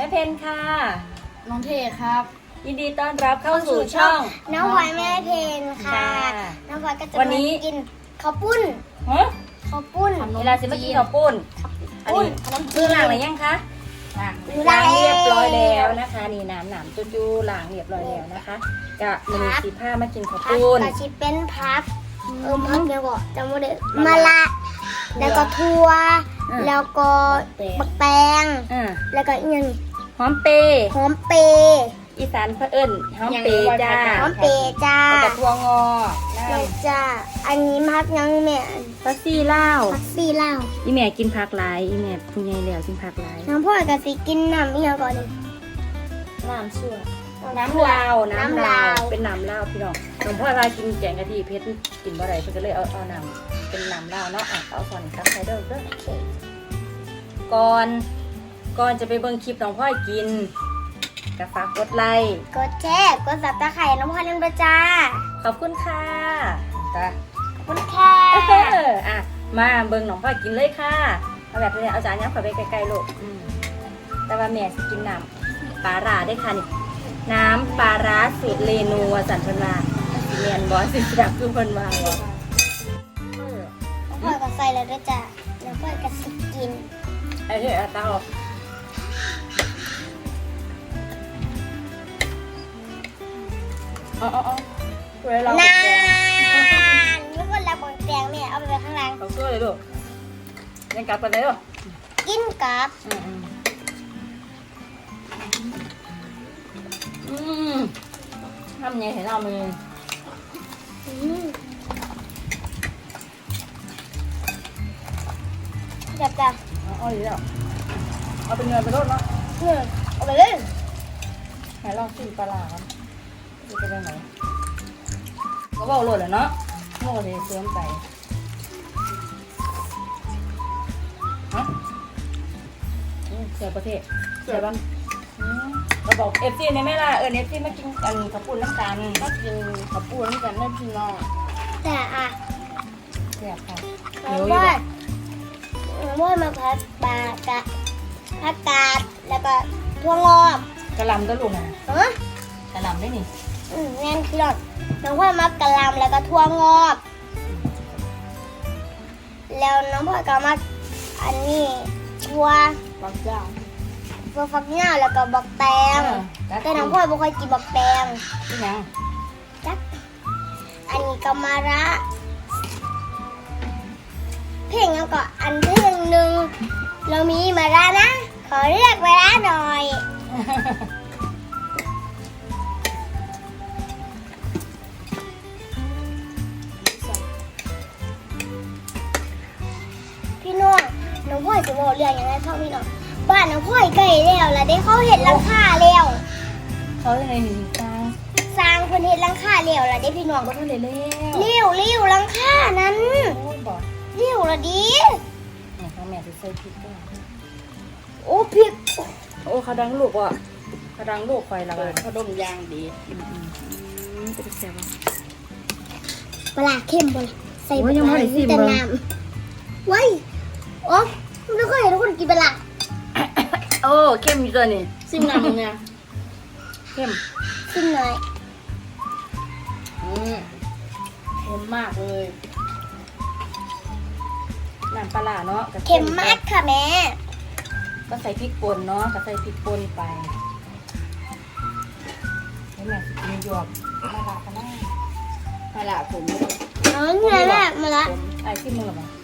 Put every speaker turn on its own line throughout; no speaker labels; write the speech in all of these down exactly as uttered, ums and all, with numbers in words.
เพนค่ะ
น้องเทครับ
ยินดีต้อนรับเข้าสู่ช่อง
น้องพลอยแม่เพนค่ะน้องพลอยก็จะวันนี้กินข้าวปุ้น
ฮะ
ข้าวปุ้น
เวลาสิมากินข้าวปุ้นอันนี้คือหลังอะไรยังคะล้างเรียบร้อยแล้วนะคะนี่น้ำหนามจู้ๆล้างเรียบร้อยแล้วนะคะกะมีสีผ้ามากินข้าวปุ้น
กะชิเป็นพับเออพับเดี๋ยวก่อนจำไม่ได้มะละแล้วก็ทั่วแล้วก็บักแตงแล้วก็อีกอย่าง
หอมเปย์
หอมเปย์
อีสานเพื่อนหอมเปย์จ้า
หอมเปย์จ้า
แล้วก็ทั่วงอ
เลยจ้าอันนี้พักยังแม่
พักซี่เล่า
พักซี่เล่า
อีแม่กินผักหลายอีแม่คุณยายแล้วกินผักหลาย
น้ำพ่อกับสิกินน้ำอีกอย่างก่อนเลย
น้ำชั่วน้ำลาวน้ำลาวเป็นน้ำลาวพี่น้องน้องพ่อพากินแกงกะทิเพชรกินบ่ได้เพิ่นก็เลยเอาเอาน้ำเป็นน้ำลาวเนาะอ่ะเอาส่วนครับใส่เด้อเด้อก่อนก่อนจะไปเบิ่งคลิปน้องพ่อกินก็ฝากกดไลค์
กดแชร์กดซับสไครต์น้องพ่อเล่นประจ้า
ขอบคุณค่ะจ้ะ
ขอบคุณค่ะ
อ่ะมาเบิ่งน้องพ่อกินเลยค่ะเอาแบบนี้เอาจานยับเข้าไปใกล้ๆลูกแต่ว่าแม่สิกินน้ำปลาร้าได้ค่ะนี่น้ำปลาร้าสูตรเรนูสันเพิ่นว่าเมียนบอสิจับคือเพิ่นว่าบ่
น้องพ่อก็ใส่แล้วด้วยจ้ะน้องพ่อก็สิกิน
ไอ้เฮ้ยเอาตาออกอ๋ออ๋อเวลา
นานนี่คนละบนแตงแม่เอาไปไว้ข้างล่าง
เอาช่วยเลยลูกยังกลับไปเลยลูก
กินกับ
อืมทำยังไงเห็นเรามือ
จับจ้ะ
เอาดีแล้วเอาเป็นเงินไปรถเนาะ
เอาไปเลย
ไหนลองชิมปลาหลาครับจะเป็นยังไงก็บอกโหลดแล้วเนาะโม่เลยเสื่อมไปฮะเสียประเทศเสียบ้างเราบอกเอฟซีในแม่ล่ะเออเอฟซีมากินกันข้าวปุ้นน้ำตาลมากินข้าวปุ้นน้ำตาลได้พี่น้อง
แต่อ่ะ
เสียค่ะ
ว่าว่ามาพัดปลากะผักกาดแล้วก็ทั่วงอก
กระลำก็ลูกนะ
เอ
อกระลำได้นี่
อืมงั้นคือหลอดน้องพ่อมักกะลำแล้วก็ทั่วงอกแล้วน้องพ่อก็มักอันนี้ทั่ว
บักเจ้า
ทั่วฟักเน่าแล้วก็บักแตงแต่น้องพ่อไม่ค่อยกินบักแตง
ที่ยัง
จักอันนี้ก็มาระเพลงแล้วก็อันเพลงหนึ่งเรามีมาระนะขอเรียกเวลาหน่อยพี่น้องน้องพ่อยจะบอกเรื่องยังไงพ่อพี่น้องบ้านน้องพ่อยใกล้แล้วแล้วได้เขาเห็นหลังคาแล้ว
เขาจะไงหนึ่งสร้าง
สร้างคนเห็นหลังคาแล้วแล้วได้พี่น้อง
ก็ต้องเลี้ยว
เลี้ยวเลี้ยวหลังคานั้นเลี้ยวละดี
เนี่ยเขาแม่จะใส่พริกด้วย
โอ้พริก
โอ้เขาดังลูกว่ะเขาดังลูกไฟละกัน
เขาดมยางดี
จะเป็นแซ่บ
ปลาเข้มบนใส่ปลาแต่น้ำไว้โอ้ไม่เคยเห็นทุกคนกินปลา
โอ้เข้มอยู่ตัวนี้
ซิมน้ำเนี่ย
เข้ม
ซิมหน่อย
อืมเค็มมากเลย
น้ำปลาเนาะ
เค็มมากค่ะแม่
ก็ใส่พริกป่นเนาะก็ใส่พริกป่นไปให้แม่กินหยวกมาละกันนะ
มาละผม
อ๋อเนี่ยแม่มาละ
ไอ้ที่มือมา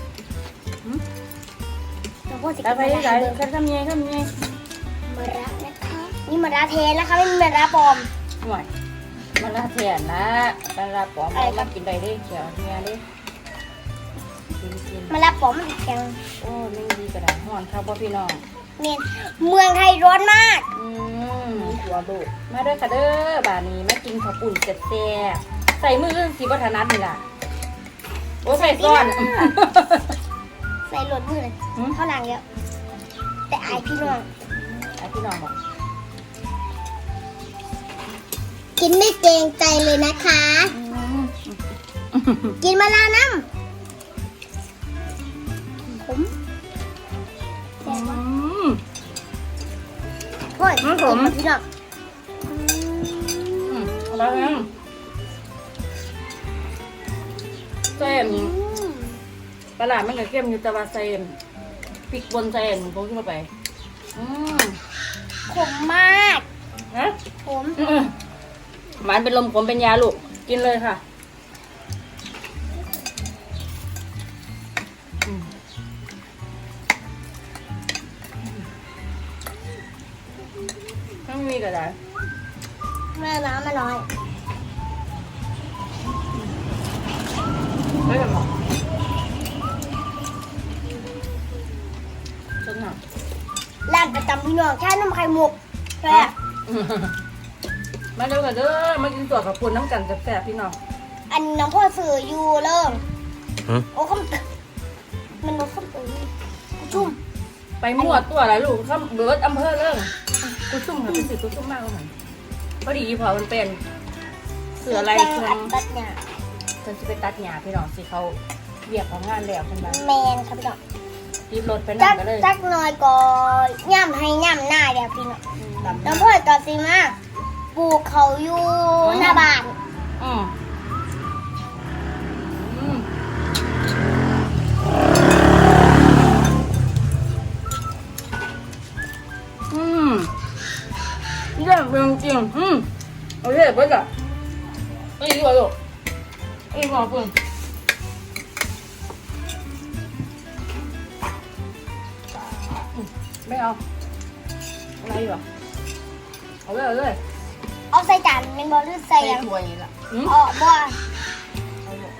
เราพูดสิ
กันไปไหนกันทำยังไงทำยังไง
มาละนะคะนี่มาละเทนนะคะไม่มีมาละปลอม
หน่อยมาละเทียนนะมาละปลอมมากินได้ได้เขียวเงี้ยได้
มาละปลอมมันแข็ง
โอ้ไม่ดีกระดาษห่อนครับพ่อพี่น้อง
เมียนเมืองไทยร้อนมาก
อืมหัวลูกมาด้วยค่ะเด้อบานี้มากินข้าวปุ่นเสร็จแซ่ใส่มือสีวัฒนัทนี่ล่ะโอ้ใส่ซ้อน
ใส่หลดมือเลยเข้าหลังเยอะแต่ไอพี่น้อง
ไอพี่น้องบอก
กินไม่เกรงใจเลยนะคะกินมาลาน้ำผมพ่อย
มันขม
พี่น้อง
อืมเอาไปเลยเส้นปลาหลาดมันก็เข้มอยู่แต่ว่าเส้นพริกบนเส้นผมขึ้นมาไปอืม
ขมมาก
นะ
ขม
อืมหวานเป็นลมขมเป็นยาลูกกินเลยค่ะอืมถ้าไม่มีก็ได้
แม่น้ำมาน้อย
ไม่เป็นหรอกฉันหนัก
ร้านประจำพี่น้องแค่น้ำไข่มุกแซ่บ
มาเร็วกันเด้อมากินตัวกับปุ่นน้ำกันแซ่บๆพี่น้อง
อันน้องพ่อสื่ออยู่เริ่ม
หืม
โอ้ข้ามมันรถข้ามตื่นชุ่ม
ไปมั่วตัวอะไรลูกข้ามเบิร์ดอำเภอเรื่องกูซุ่มค่ะเป็นสิกูซุ่มมากเลยมันพอดีพอมันเป็นเสืออะไร
แกง
ช่ว
อั
ง
ดตัดหญ้า
ฉันจะไปตัดหญ้าพี่น้องสิเขาเรียกของงานแล้วคนนั้น
แมนครับพี่น้อง
รีบรถไป
จั
นั่
ก
งกันเลย
จักหน่อยก็ย่ำให้ย่ำหน้าเดี๋ยวพี่น้อง
ดำ
น้องพ่อต่อสิมาปลูกเขาอยู่หน้าบ้าน
อืมอืมอืมนี่แบบจริงๆอืมโอเคเบิร์ดอ่ะไม่ดีกว่าลูกไม่ดีกว่าปุ่นไม่เอาอะไรอยู่อ่ะเอาเลยเอาเลย
เอาใส่จานเป็นบอลหรือใส่หยัง
ถ้วยนี่ล่ะ
อืม
อ๋อบ่
เอาเลย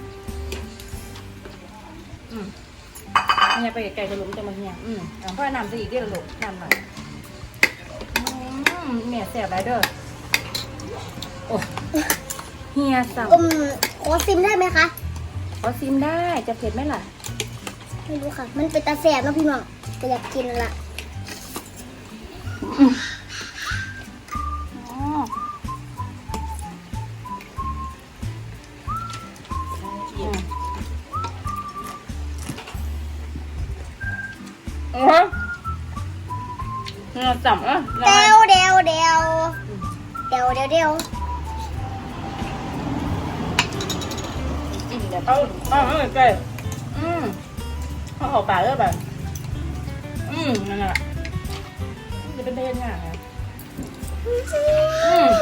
อืมเนี่ยไปไกลๆจะหลุมจะมาเนี่ยอืมเอาพ่อน้ำจะอีกเดียวลูกน้ำหน่อยอืมแม่แสบไรเด้อโอ้เฮียสั่ง
อืมขอซิมได้ไหมคะ
ขอซิมได้จะเผ็ดไหมล่ะ
ไม่รู้ค่ะ มันเป็นตาแสบเนอะพี่น้องแต่อยากกินละ
อ๋ออืมเออเนี่ยสั่งอ่ะ
เดวเดวเดวเดวเดวเดว
อืมเดี๋ยวเอาเอาเอาไปอืมเอาออกปากเลยแบบอืมนั่นแหละจะเป็นเทนง่ายนะอืม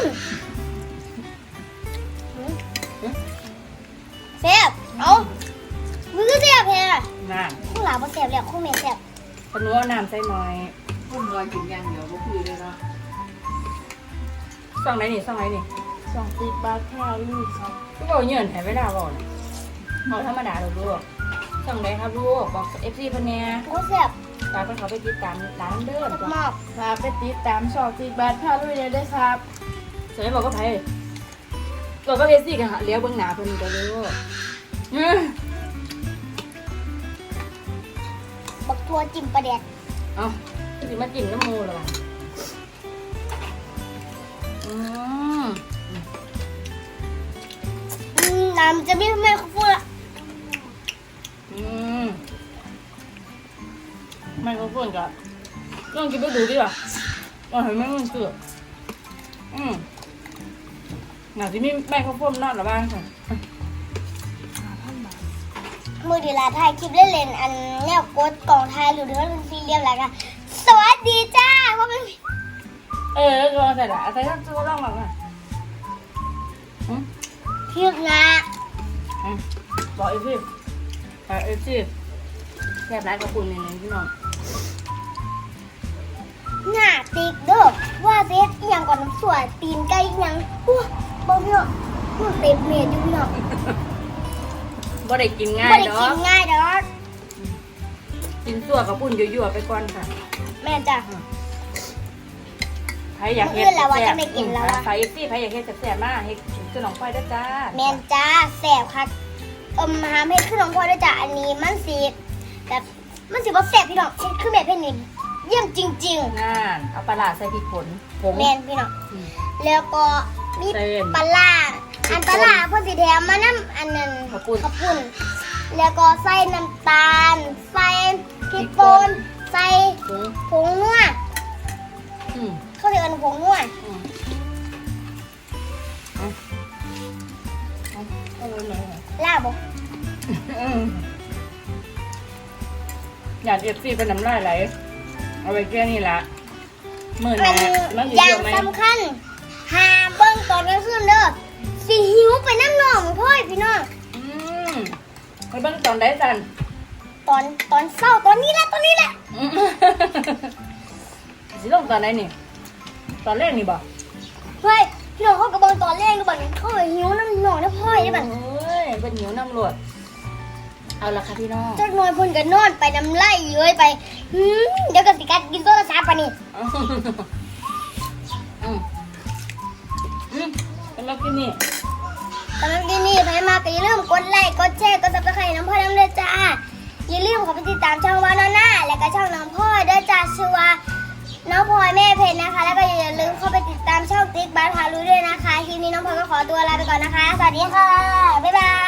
แสบเอามือก็แสบแฮะ
น่า
ข้างหลังบ่แสบแล้วข้างเมียแสบ
ขนุนเอาน้ำใส่หน่อย
คนรอกินอย่างเดียวก็คุยเลยเนาะ
ส่องไหนนี่ส่องไหนนี่
สองสิบบาทค่ะลูกครับ
ก็บอกเงินให้เวลาบอกนะบอกธรรมดาเราลูกส่องไหนครับลูกบอกเอฟซีพันเนีย
โอ้แสบ
ตามไปเขาไปติดตามร้านเดิม
มาก
ฝากไปติดตามสองสิบบาทค่ะลูกเลยด้วยครับ
เสร็จบอกก็ไผ่ตัวก็เอฟซีกันเลี้ยวเบื้องหน้าเพิ่นก็ลูกอืม
บักทัวจิ้มปลาแดด
เอาสิมาจิ้มน้ำมูหรอวะอืม
อืมน้ำจะไม่ไม่ฟูละ
อืมไมโครโฟนก็ลองกินไปดูดิว่ะว่าเห็นไหมมันเกือบอืมหนาที่มีไมโครโฟนนอนหรือบ้างค่ะ
มือดีลาถ่ายคลิปเล่นๆอันแนวกดกล่องไทยหรือว่าเป็นซีเรียมอะไรกันสวัสดีจ้าเพราะมัน
เออก็ใส่ละใส่ทั้งตัวร่องหรอกอ่ะอืม
คลิปนะ
อืมบอกเอฟซีบอกเอฟซีแซ่บร้ายกับคุณนี่พี่น้อง
หน้าติ๊กเด้อว่าเซตอหย่างก่อนน้ำสวยตีนไก่อหย่างอู้บอกพี่น้องมันเต็มเมียอยู่พี่น้อง
บ่ได้กินง่า
ไม่
ย
ได้
เนา
กิ
ะ
นง่ายดอก
กินตัวกับปุ่นยั่วๆไปก่อนค่ะ
แม่จ้ะ
ใครอยากเฮ็ด
เพื่อนเราว่าจะไม่กินแล้วอะ
ใครเอฟซีใครอยากเฮ็ดแซ่บๆมากเฮ็ดขนมควายด้วยจ้า
แม่นจ้าแสบค่ะเอิมหาเม็ดขึ้นน้องพ่อด้วยจ้ะอันนี้มันสีแบบมันสีว่าแสบพี่น้องเฮ็ดคือแบบเป็นนี่เยี่ยมจริง
งานเอาปลาร้าใส่พริกป่นผง
ๆแม่นพี่น้อง
อืม
แล้วก็มี
เส้น
ปลาร้าอันปลาร้าเพ่นสีแถมมาน้ำอันนั้น
ข้าวปุ้น
ข้าวปุ้นแล้วก็ใส่น้ำตาล ใส่พริกป่นใส่
ผง
ผงนัว
อืมม
เขาเรียกกันผงนัว
อืมเอาเอาเอาเลยเลย
ลาบบ่
อืมอยากเอฟซีเป็นน้ำลายไหลเอาไปแค่นี้ละมื่อ
อั
นี้
น
มัน
อย่า
เย
ง
อะไหม
สำคัญหาเบิ้งตอนกลางคืนเด้อสิหิวไปน้ำหนองพ่อยพี่น้อง
อืมไปเบิ่งตอนได้สัน
ตอนตอนเศร้าตอนนี้แหละตอนนี้แหละ
อืมสิลงตอนไหนนี่ ตอนแรกนี่บ่
เฮ้ยพี่น้องเขากระเบิงตอนแรกก็บอกเขาไปหิวน้ำหนองนะพ่อยได้บัด
โอ้ยเป็นหิวน้ำรวดเอาละค่ะพี่น้อง
จักหน่อยเพ่นก็นอนไปน้ำไหลเย้ยไปหืมเดี๋ยวก็สิกัดกินโทรศัพท์ปะนี่
อืมอืมเป็นแล้วกินนี่
สำหรับที่นี่ใครมาก็อย่าลืมกดไลค์กดแชร์กดซับสไครต์น้องพ่อน้ำเด้อจ้าอย่าลืมเข้าไปติดตามช่องวานอน่าและก็ช่องน้องพ่อเด้อจ้าชื่อว่าน้องพลอยแม่เพชรนะคะ แล้วก็อย่าลืมเข้าไปติดตามช่องติ๊กบ้านพารู้ด้วยนะคะทีนี้น้องพลอยก็ขอตัวลาไปก่อนนะคะสวัสดีค่ะบ๊ายบาย